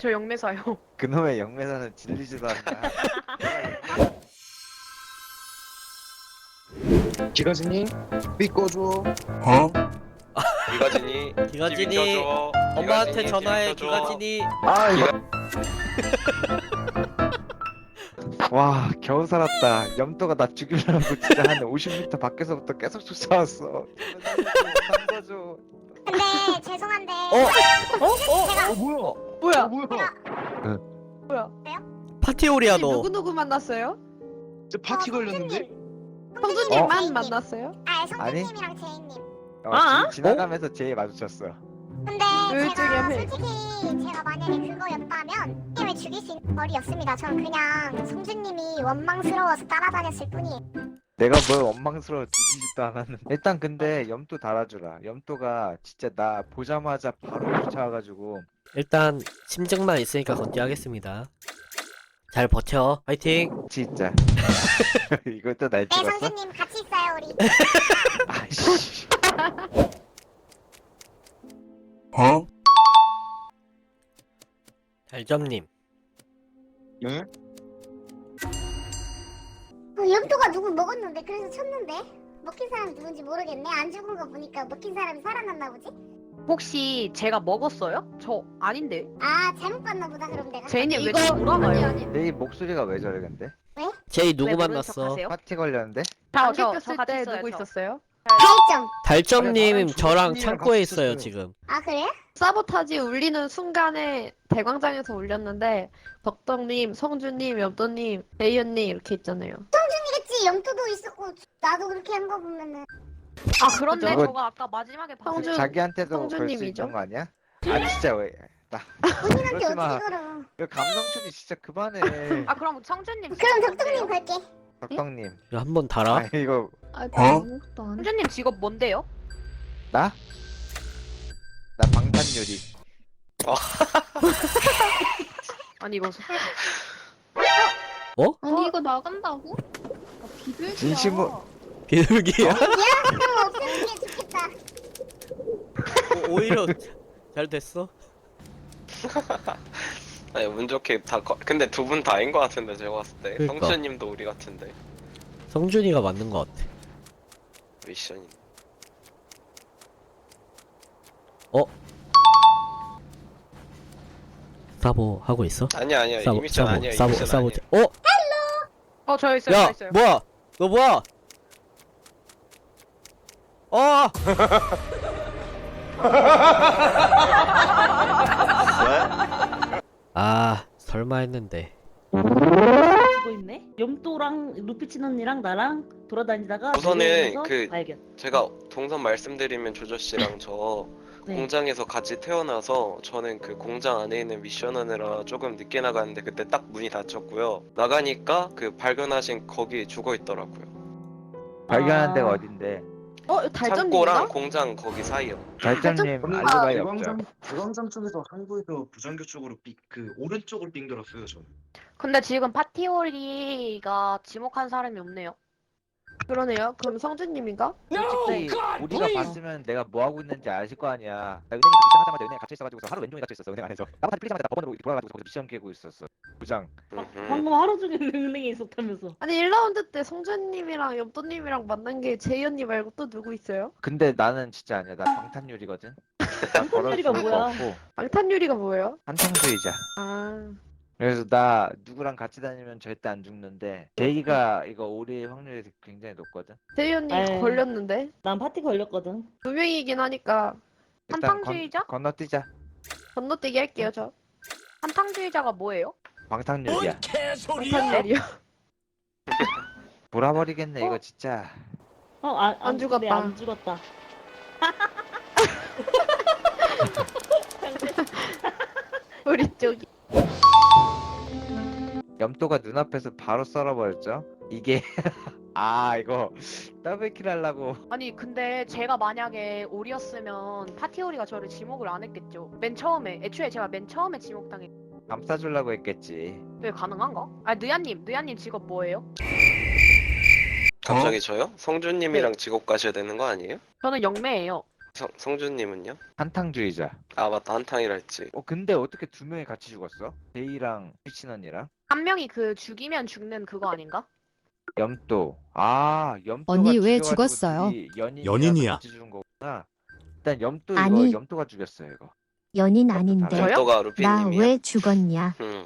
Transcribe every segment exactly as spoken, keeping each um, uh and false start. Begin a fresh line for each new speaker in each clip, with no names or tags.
저 영매사요.
그놈의 영매사는 질리지도 않나.
기가진이 삐 꺼줘.
기가진이
기가진이,
티비 켜줘.
엄마한테
기가진이
전화해.
티비 켜줘.
기가진이.
아 이거. 와 겨우 살았다. 염도가 나 죽이려고 진짜 한 오십 미터 밖에서부터 계속 쫓아왔어. 살려줘.
근데 죄송한데
어? 어? 어?
제가
어 뭐야?
뭐야?
어, 뭐야?
뭐야?
파티오리야 너.
누구 누구 만났어요?
진짜 파티 걸렸는데?
성준님만
어?
제이님.
만났어요?
아
아니?
성준님이랑 제이님.
어,
아?
지, 지나가면서 제이 마주쳤어.
근데
우울증의
제가
회.
솔직히 제가 만약에 그거였다면 님을 죽일 수 있는 거리였습니다. 저는 그냥 성준님이 원망스러워서 따라다녔을 뿐이에요.
내가 뭘 원망스러워 죽이지도 않았는데. 일단 근데 염도 달아주라. 염도가 진짜 나 보자마자 바로 쫓아와가지고.
일단 심증만 있으니까 건재하겠습니다. 잘 버텨. 화이팅.
진짜. 이것도 날
네
찍었어?
성준님 같이 있어요 우리.
아이씨.
어?
달점님.
응?
어, 염도가 누구 먹었는데 그래서 쳤는데 먹힌 사람 누군지 모르겠네. 안 죽은 거 보니까 먹힌 사람이 살아났나 보지?
혹시 제가 먹었어요? 저 아닌데.
아 잘못 봤나 보다 그럼 내가.
제이님 왜
이거
자꾸 돌아가요?
내 목소리가 왜 저래 근데?
제이 누구
왜 모른 척
만났어?
하세요?
파티 걸렸는데?
저,
저,
저,
저
저
같이
같이
있어요,
누구
저.
있었어요?
팔 점.
달점님
나랑
저랑
조수님이랑
창고에
같이
있어요
있었어요.
지금.
아 그래?
사보타지 울리는 순간에 대광장에서 울렸는데 덕덕님, 성주님, 염도님, 대현님 이렇게 있잖아요.
그치 염도도 있었고 나도 그렇게 한 거 보면은.
아 그런데
그거-
저가 아까 마지막에 성준- 방금
자기한테도 걸 수
성주님이죠?
있는 거 아니야? 아 진짜 왜? 나
본인한테
그러지 마.
어떻게 걸어?
이거 감성춘이 진짜 그만해.
아 그럼 성주님
그럼
직업
덕덕님
뭔데요?
걸게.
덕덕님.
이거 한번 달아.
아 이거
아,
어?
아무것도 안 해.
성준님 직업 뭔데요?
나? 나 방탄요리.
아니 이거
아니 이거 나간다고? 아, 비둘기야.
진심으로-
비둘기야?
그럼 없애는 게 좋겠다.
오- 오히려 잘 됐어.
아니 운 좋게 다 거... 근데 두 분 다인 것 같은데 제가 봤을 때
그러니까.
성준님도 우리 같은데
성준이가 맞는 것 같아.
미션이.
사보 하고 있어?
아니야 아니야 이
사보
미션
사보
아니야 이
사보
미션
사보.
아니야.
어?
어 저 있어요.
야
저 있어요.
뭐야? 너 뭐야? 어! 아 설마 했는데.
죽어 있네. 염도랑 루피친 언니랑 나랑 돌아다니다가
우선은
내려오면서
그-
발견.
제가 동선 말씀드리면 조조 씨랑 저
네.
공장에서 같이 태어나서 저는 그 공장 안에 있는 미션 하느라 조금 늦게 나갔는데 그때 딱 문이 닫혔고요. 나가니까 그 발견하신 거기 죽어 있더라고요.
발견한 데가
아.
어딘데?
어
창고랑
달점님인가?
공장 거기 사이요.
달장님
저는
알리바이 없죠?
대광장 대광장 쪽에서 항구에서 부정교 쪽으로 삐, 그 오른쪽으로 삥 돌았어요 저는.
근데 지금 파티오리가 지목한 사람이 없네요.
그러네요. 그럼 성주님인가?
솔직히 우리가 봤으면 내가 뭐 하고 있는지 아실 거 아니야. 나 은행에서 미션 하자마자 은행에 갇혀 있어가지고서 하루 왼종일 갇혀 있었어 은행 안에서. 나만 풀리자마자 나 법원으로 돌아가지고 거기서 미션 깨고 있었어. 부장.
음흠.
방금 하루 종일 은행에 있었다면서.
아니 일 라운드 때 성주님이랑 염도님이랑 만난 게 제이 언니 말고 또 누구 있어요?
근데 나는 진짜 아니야. 나 방탄요리거든. 나 걸을
방탄요리가
수가
뭐야?
없고
방탄유리가 뭐예요?
한탕주의자.
아
그래서 나 누구랑 같이 다니면 절대 안 죽는데 제이가 이거 오리의 확률이 굉장히 높거든.
제이 언니
에이.
걸렸는데
난 파티 걸렸거든.
두 명이긴 하니까
일단
한탕주의자?
건, 건너뛰자.
건너뛰기 할게요 저.
한탕주의자가 뭐예요?
방탄요리야.
방탄유리요.
돌아버리겠네 이거 진짜.
어, 안, 안,
안
죽었다.
죽었다.
안 죽었다.
우리 쪽이.
염도가 눈앞에서 바로 썰어버렸죠. 이게 아 이거 더블킬 하려고.
아니 근데 제가 만약에 오리였으면 파티오리가 저를 지목을 안 했겠죠. 맨 처음에 애초에 제가 맨 처음에 지목당했.
감싸주려고 했겠지.
왜 가능한가? 아 느야님 느야님 직업 뭐예요?
갑자기 저요? 성준님이랑
네.
직업 가셔야 되는 거 아니에요?
저는 영매예요.
성, 성준님은요?
한탕주의자.
아 맞다 한탕이라 했지.
어 근데 어떻게 두 명이 같이 죽었어? 제이랑 미친 언니랑
한 명이 그 죽이면 죽는 그거 아닌가?
염도. 아 염도가
언니 왜
죽여가지고
죽었어요?
둘이 연인이라서
연인이야.
같이 죽은 거구나. 일단 염도
아니.
이거 염도가 죽였어요 이거.
연인
아닌데.
저요?
염도가
나
루피님이야.
왜 죽었냐?
음.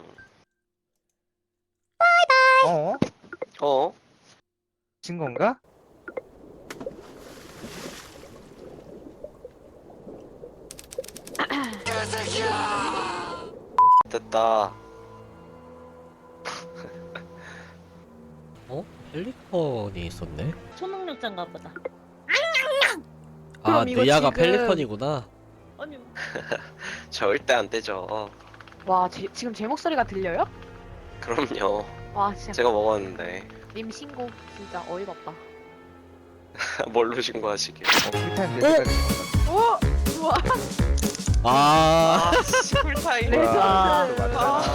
어?
어?
친 건가?
됐다.
어? 펠리컨이 있었네?
초능력자인가 보다.
아
그럼 이거
느야가
지금-
펠리컨이구나.
아니
절대 안 되죠.
와 제, 지금 제 목소리가 들려요?
그럼요.
와 진짜
제가 먹었는데
님 신고 진짜 어이가 없다.
뭘로 신고하시길?
어 풀타임 데스까지
오! 우와
아
아, 씨, 쿨타임.
레전드.
와,
아,
맞다.